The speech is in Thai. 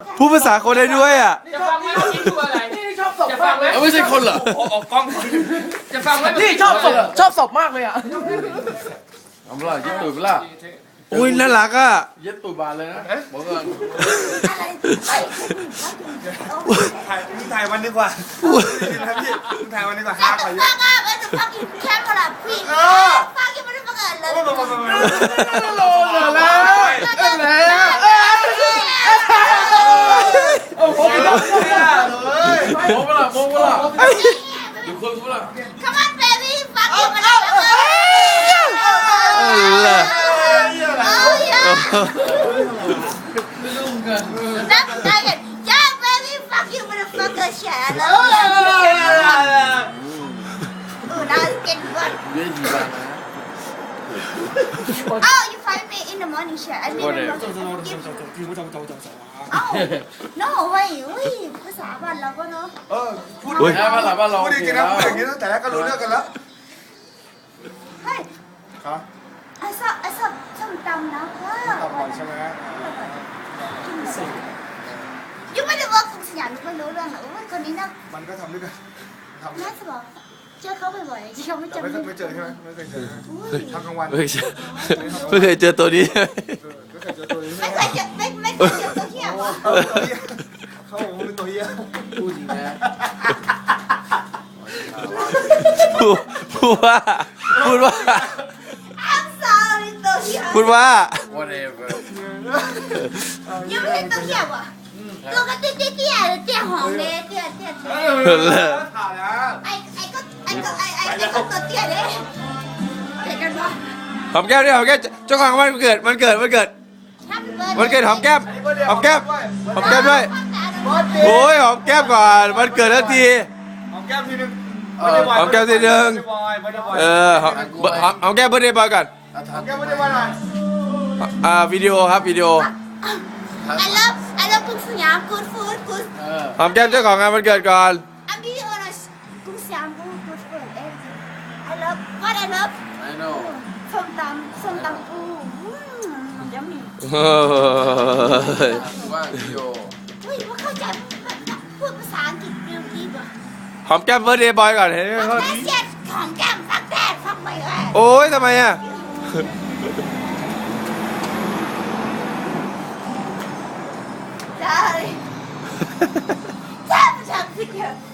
พูดภาษาคนได้ด้วยอ่ะจะฟังไหมว่าคิดตัวอะไรนี่ชอบศพจะฟังไหมไม่ใช่คนเหรอออกกล้องจะฟังไหมนี่ชอบศพมากเลยอ่ะเอาเปล่าเย็ดตูดเปล่าอุ้ยน่ารักอ่ะเย็ดตูดบานเลยนะบอกก่อนถ่ายวันดีกว่าถ่ายวันดีกว่าห้าไปเยอะ fuck up and the fucking camera please fucking motherfucker เลยโลเลยแล้วโอ้โหมองเปล่ามองเปล่าดูคนเปล่า Come on baby fucking motherfucker เหรอ oh yeah นับได้กัน yeah baby fucking motherfucker shit I love you น่าเก่งมากเย็ดกี่บานนะ Oh you find me in the morning shit I mean oh no way อุ้ยภาษาบ้านเราก็เนาะพูดดีกันนะอย่างนี้ตั้งแต่แรกก็รู้เรื่องกันแล้วเฮ้ยครับไอ้ชอบส้มตำนะว้าวตอบก่อนใช่ไหมยังไม่ได้ว่าคุณสยามไม่รู้เรื่องหรอกว่าคนนี้นะมันก็ทำด้วยกันทำน่าจะบอกเจอเขาบ่อยๆที่เขาไม่แต่จำไม่เจอใช่ไหมไม่เคยเจออุ้ยทำกลางวันไม่เคยเจอตัวนี้ไม่เคยเจอตัวนี้ไม่เคยเจอไม่เคยเจอตัวเที่ยวอ่ะเขาบอกว่าเป็นตัวเหี้ยพูดจริงนะพูดว่า I'm sorry ตัวเที่ยวพูดว่า whatever ยังไม่เห็นตัวเที่ยวอ่ะตัวก็เตี้ยหอมเลยเตี้ยถ่ายแล้วไอ้ก็ตัวเตี้ยเลยเด็กกันวะหอมแก้มดิหอมแก้มเจ้าของวันเกิดหอมแก้มหอมแก้มด้วยโอ้ยหอมแก้มก่อนวันเกิดทันทีหอมแก้มทีนึงหอมแก้มทีนึงหอมแก้มเบิร์ดเดย์บอยก่อนหอมแก้มไม่ได้ว่าอะไรวิดีโอครับวิดีโอ I love กุ้งสยาม good food good หอมแก้มเจ้าของงานวันเกิดก่อน I'm really honest กุ้งสยาม good food everything I love what I love I know ส้มตำปูยัมมี่ว่าวิดีโออุ้ยว่าเข้าใจพูดภาษาอังกฤษเร็วดีกว่าหอมแก้มเบิร์ดเดย์บอยก่อนเห็นไหมฟักแดดเจ็ดของแก้มฟักแดดฟักไม่แย่โอ้ยทำไมอ่ะได้แทบจะคิดเยอะ